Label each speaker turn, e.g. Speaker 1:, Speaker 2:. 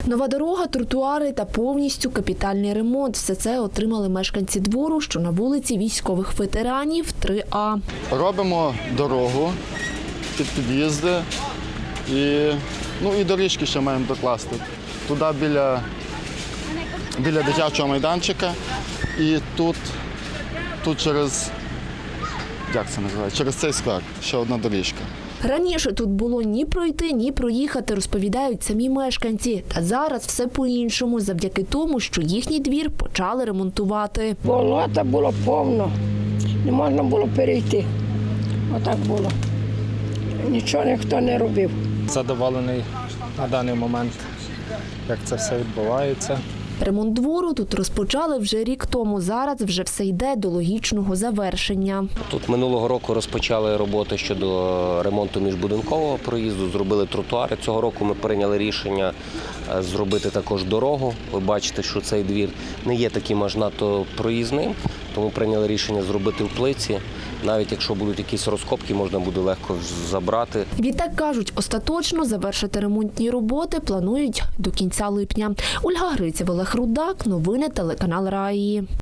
Speaker 1: Нова дорога, тротуари та повністю капітальний ремонт. Все це отримали мешканці двору, що на вулиці Військових ветеранів 3А.
Speaker 2: Робимо дорогу під під'їзди і доріжки ще маємо докласти. Туди біля дитячого майданчика і тут через, як це називається, через цей сквер ще одна доріжка.
Speaker 1: Раніше тут було ні пройти, ні проїхати, розповідають самі мешканці. Та зараз все по-іншому, завдяки тому, що їхній двір почали ремонтувати.
Speaker 3: Болота було повно, не можна було перейти. Отак було. Нічого ніхто не робив.
Speaker 4: Задоволений на даний момент, як це все відбувається.
Speaker 1: Ремонт двору тут розпочали вже рік тому. Зараз вже все йде до логічного завершення.
Speaker 5: Тут минулого року розпочали роботи щодо ремонту міжбудинкового проїзду, зробили тротуари. Цього року ми прийняли рішення зробити також дорогу. Ви бачите, що цей двір не є таким аж надто проїзним, тому прийняли рішення зробити в плиці. Навіть якщо будуть якісь розкопки, можна буде легко забрати.
Speaker 1: Відтак кажуть, остаточно завершити ремонтні роботи планують до кінця липня. Ольга Гриців, Олег Рудак, новини телеканал Раї.